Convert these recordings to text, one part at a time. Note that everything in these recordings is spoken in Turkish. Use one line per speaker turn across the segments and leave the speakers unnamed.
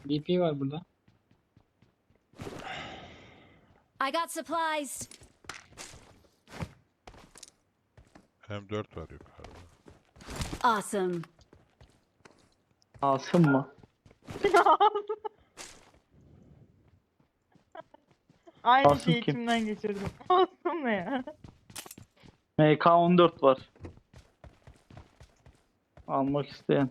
BP var burada.
I got supplies.
M4 var yukarıda.
Awesome.
Asım mı?
Aynı
Asım
şeyi
kim?
içimden geçirdim. Olsun ne ya?
MK14 var. Almak isteyen.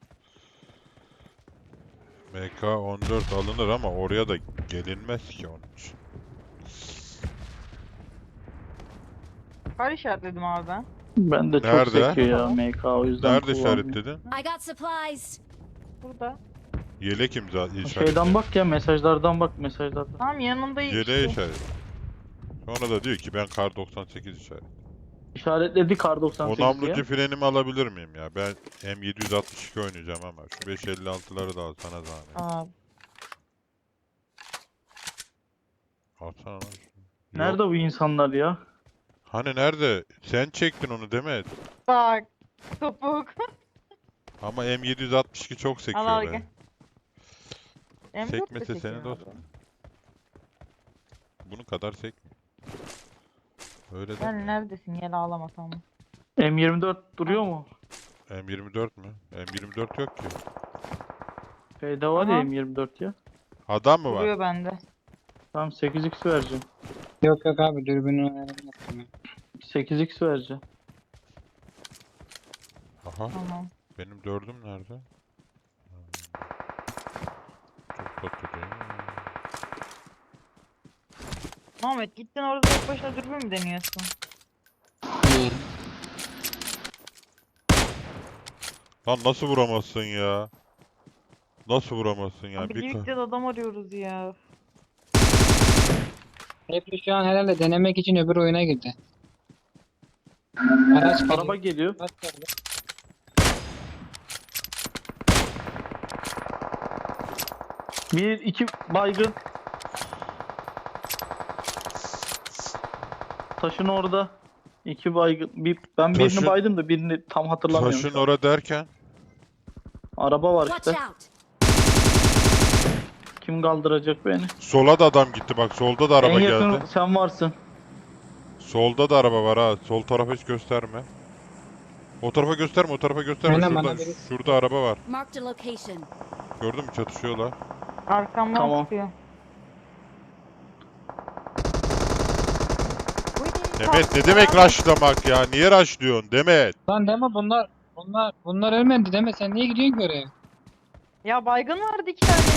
MK14 alınır ama oraya da gelinmez ki onun için.
Kar işaretledim abi ben.
Ben de çok
Nerede?
sekiyor ya MK, o yüzden
Nerede
kullanmıyorum.
işaretledin?
I got supplies.
Burada.
Yelek imza
Şeyden
işaretledin.
bak ya, mesajlardan bak, mesajlardan.
Tamam yanında
Yeleğe
işte.
işaret. Sonra da diyor ki ben kar 98 işaret.
İşaretledi kar 98
O namlucu
ya.
frenimi alabilir miyim ya? Ben M762 oynayacağım ama şu 556'ları da al sana zahmet.
Aa,
Alsana lan şunu.
Nerede
Yok.
bu insanlar ya?
Hani nerede? Sen çektin onu Demet.
bak. Topuk.
Ama M762 çok sekiyor
Al
be.
gel. M4 de
Sekmese
çekiyor
seni
abi.
dostum. Bunun kadar sekmiyor. Öyle de.
Sen neredesin? Gel ağlama tamam.
M24 duruyor mu?
M24 mü? M24 yok ki.
Şeyde var ya
Aha.
M24 ya.
Adam mı var?
Duruyor bende.
Tamam 8x vereceğim.
Yok yok abi dürbünü ayarladım ya.
8x vereceğim.
Aha.
Tamam.
Benim dördüm nerede? Çok tatlı değil mi?
Muhammed gittin orada tek başına dürbün mü deniyorsun?
İyi.
Lan nasıl vuramazsın ya? Nasıl vuramazsın ya?
Abi
Bir
birlikte de adam arıyoruz ya.
Hepsi şu an herhalde denemek için öbür oyuna girdi. Araç geliyor.
Araba geliyor.
Araç geldi.
Bir, iki baygın. Taşın orada. İki baygın. Ben birini
Taşın-
baydım da birini tam hatırlamıyorum.
taşın
şu an.
ora derken
Araba var
Watch
işte.
out.
Kim kaldıracak beni?
sola da adam gitti bak solda da araba
En yakın
geldi.
sen varsın.
Solda da araba var ha. Sol tarafa hiç gösterme. O tarafa gösterme, o tarafa gösterme.
Aynen,
Şurada,
bana biri-
şurada araba var.
Marked a location.
Gördün mü? Çatışıyorlar.
Arkamdan
Tamam.
sıkıyor.
Demet ne demek rushlamak ya? Niye rushlıyorsun Demet?
Lan deme bunlar ölmedi deme sen niye gidiyorsun ki oraya?
Ya baygın vardı iki tane.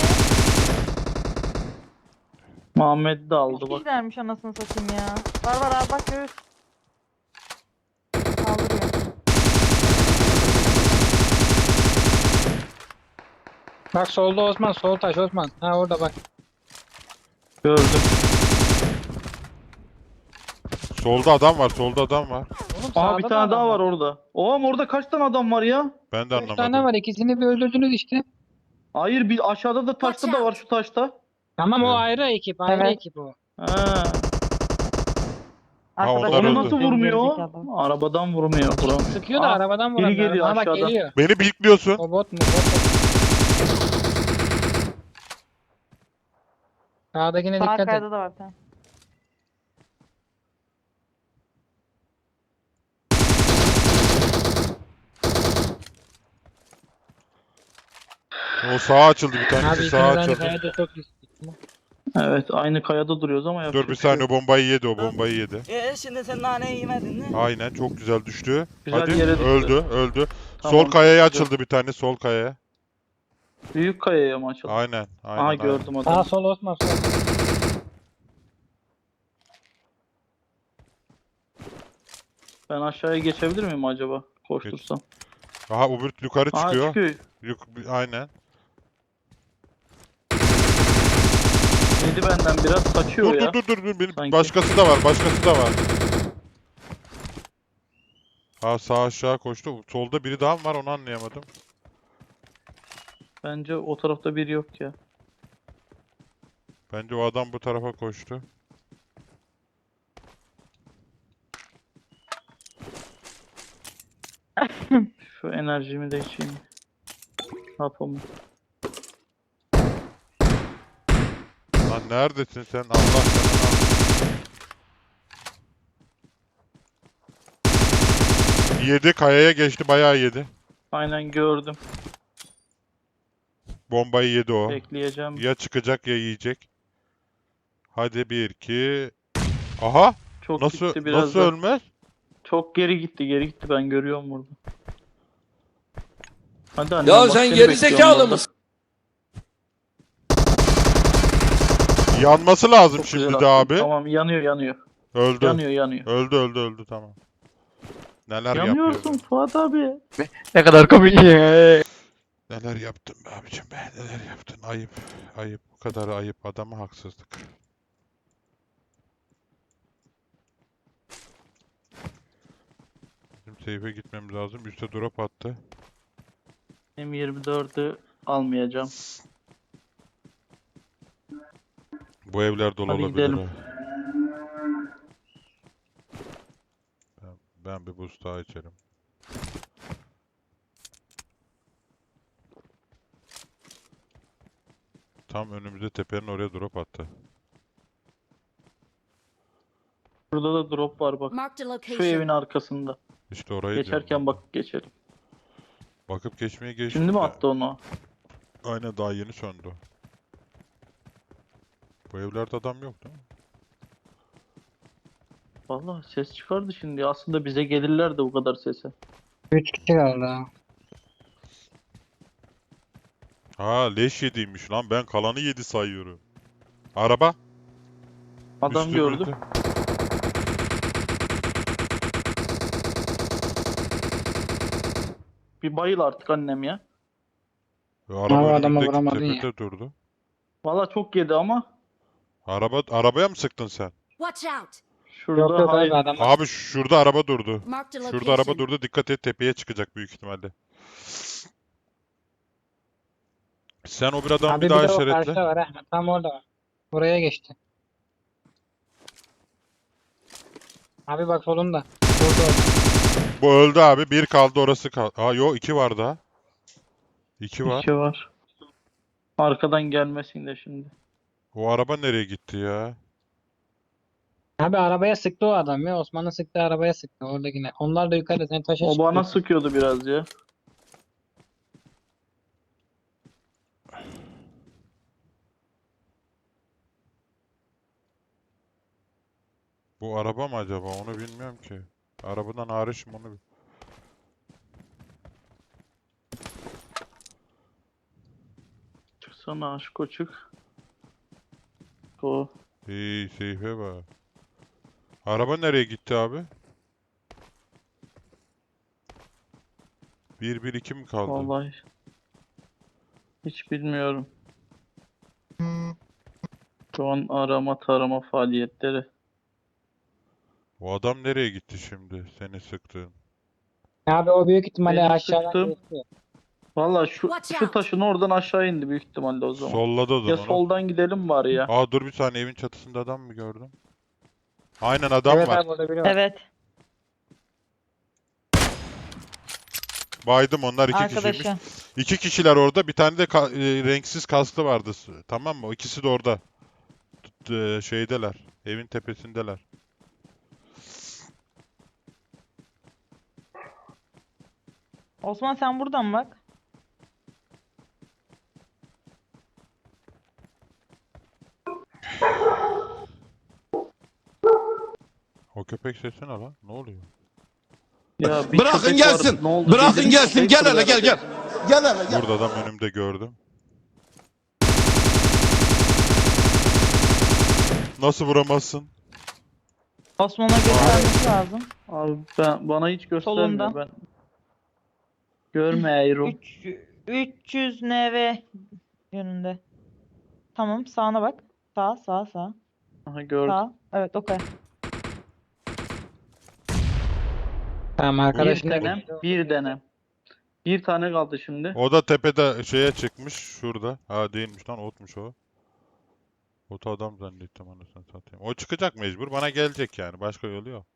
Muhammed de aldı
Üç
bak.
kişilermiş anasını satayım ya. Var abi bak göğüs. Kaldırıyor.
Bak solda Osman sol taş Osman. Ha orada bak.
Gördüm.
Solda adam var, solda adam var.
Oğlum
Aha
sağda
bir
da
tane
adam
daha var orada. Oğlum orada kaç tane adam var ya?
Ben de
3 tane
anlamadım.
var ikisini bir öldürdünüz işte.
Hayır bir aşağıda da taşta
Watch
da var
out.
şu taşta.
Tamam o
Evet.
ayrı ekip ayrı
Evet.
ekip o.
Ha.
Arkadaşlar
onlar
Onu
öldü.
nasıl vurmuyor?
Gerizekalı.
Arabadan vurmuyor. Vuram.
Sıkıyor da
Aa,
arabadan
biri
vuramıyor.
geliyor
Ha bak
aşağıdan.
geliyor.
Beni bildiriyorsun.
O bot mu? Bot mu? Sağdakine
Sağ
dikkat et.
kayda da var tamam.
O sağa açıldı bir
Abi
tanesi
ikiniz
sağa
aynı
açıldı.
kayada çok riskli.
Evet aynı kayada duruyoruz ama yapacak
Dur bir
bir şey
saniye
yok.
bombayı yedi o bombayı yedi.
Şimdi sen naneyi yemedin mi?
Aynen çok güzel düştü.
Güzel
Hadi
yere düştü.
öldü.
Tamam,
Sol kayaya
çok güzel.
açıldı bir tane sol kayaya.
Büyük kayaya mı açıldı?
Aynen aynen.
Aha
aynen.
gördüm
Sağ
adamı.
sol Osman sol.
Ben aşağıya geçebilir miyim acaba? Koştursam.
Aha öbür yukarı
Aha
çıkıyor.
çıkıyor.
Aynen.
Yedi benden biraz kaçıyor
Dur
ya.
dur.
Sanki.
Başkası da var. Ha sağ aşağı koştu. Solda biri daha mı var onu anlayamadım.
Bence o tarafta biri yok ya.
Bence o adam bu tarafa koştu.
Şu enerjimi de içeyim. Hapımı.
Lan neredesin sen? Allah canını al. Yedi, kayaya geçti, bayağı yedi.
Aynen gördüm.
Bombayı yedi o.
Bekleyeceğim.
Ya çıkacak ya yiyecek. Hadi 1 2. Aha!
Çok
Nasıl
gitti biraz
nasıl
da.
ölmez?
Çok geri gitti ben görüyorum burada. Hadi annem
Ya
bak
sen
seni
geri
bekliyorum
zekalı
burada.
mısın?
Yanması lazım
Çok
şimdi
güzel
de
attın.
abi.
Tamam yanıyor.
Öldü.
Yanıyor.
Öldü tamam. Neler
Yanıyorsun
yapıyor?
Fuat abi.
Ne kadar komik ya.
Neler yaptın be abicim be? Neler yaptın? Ayıp. Ayıp. Bu kadar ayıp. Adama haksızlık. Bizim safe'e gitmemiz lazım. Üste drop attı.
M24'ü almayacağım.
Bu evler dolu
Hadi
olabilir
gidelim.
ha. Ben bir boost daha içerim. Tam önümüzde tepenin oraya drop attı.
Burada da drop var bak.
Marked a
Şu evin
location.
arkasında.
İşte orayı diyorum
Geçerken
ben.
bak geçelim.
Bakıp geçmeye geçtim
Şimdi mi
de.
attı onu?
Aynen daha yeni söndü. Bu evlerde adam yok değil mi?
Vallahi ses çıkardı şimdi. Aslında bize gelirler de bu kadar sese.
3 kişi kaldı ha.
Ha leş yediymiş lan, ben kalanı yedi sayıyorum. Araba.
Adam
üstümüzde.
gördü. Bir bayıl artık annem ya.
Araba
Ama adamı
önümüzdeki
vuramadın ya.
tepede durdu.
Vallahi çok yedi ama.
Arabaya mı sıktın sen?
Watch out.
Şurada
Yok yok
hayır.
abi adam.
Abi şurada araba durdu.
Marked a
Şurada araba
location.
durdu. Dikkat et, tepeye çıkacak büyük ihtimalle. Sen o bir adamı
Abi
bir
bir
daha
de o karşıda
işaretle.
var ha. Tam orada var. Buraya geçti. Abi bak solunda. Burada.
Bu öldü abi. Bir kaldı, orası kaldı. Aa yo, iki var daha. İki var.
İki var. Arkadan gelmesin de şimdi.
O araba nereye gitti ya?
Abi arabaya sıktı o adam ya. Osman'ın sıktığı arabaya sıktı oradakine. Onlar da yukarıda sen taşa
O bana
çıkıyorsun.
sıkıyordu biraz ya.
Bu araba mı acaba? Onu bilmiyorum ki. Arabadan hariç mi onu?
Çıksana aşko çık. O.
İyi, seyfe bak. Araba nereye gitti abi? 1-1-2 mi kaldı?
Vallahi. Hiç bilmiyorum. Şu an arama tarama faaliyetleri.
O adam nereye gitti şimdi? Seni sıktığın.
Abi o büyük ihtimalle
Benim
aşağıdan
sıktığım-
geçti.
Vallahi
Watch
şu
out.
taşın oradan aşağı indi büyük ihtimalle o zaman.
Solladın
Ya
onu.
soldan gidelim bari ya.
Aa dur bir saniye, evin çatısında adam mı gördüm? Aynen adam
Evet
var.
abi orada biri var.
Evet.
Baydım, onlar iki kişiymiş.
Arkadaşı.
İki kişiler orada. Bir tane de renksiz kasklı vardı. Tamam mı? O ikisi de orada. Şeydeler. Evin tepesindeler.
Osman sen buradan bak.
O köpek sesi ne lan? Ne oluyor?
Ya bir
Bırakın
köpek
gelsin.
vardı, ne oldu?
Bırakın
Bildiğin
gelsin.
köpek
Gel hele
fırladı.
gel gel. Gel hele gel.
Burada adam önümde gördüm. Nasıl vuramazsın?
Osman'a göstermesi lazım.
Abi bana hiç göstermiyor
Solunda.
ben. Görmüyorum.
300 NV yönünde. Tamam sağına bak. Sağ.
Aha gördüm.
Sağ. Evet okey.
Tamam
Bir
arkadaşın da
denem,
geçti.
bir denem. Bir tane kaldı şimdi.
O da tepede şeye çıkmış. Şurada. Ha değilmiş lan, otmuş o. Otu adam zannettim, anasını satayım. O çıkacak mecbur. Bana gelecek yani. Başka yolu yok.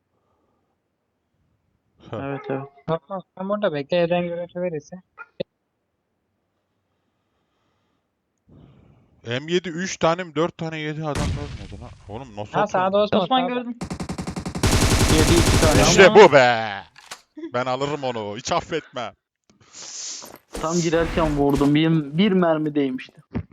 Evet.
Tamam, sen burada bekle, evden görüntü verirse.
M7 3 tane mi 4 tane yedi adam ölmedi lan. Oğlum nasıl
Ha sağda
atıyorsun?
Osman.
Osman
sağda.
gördüm.
Yedi 2 tane
İşte
ama
bu be. Ben alırım onu. Hiç affetmem.
tam girerken vurdum. Bir mermi değmişti.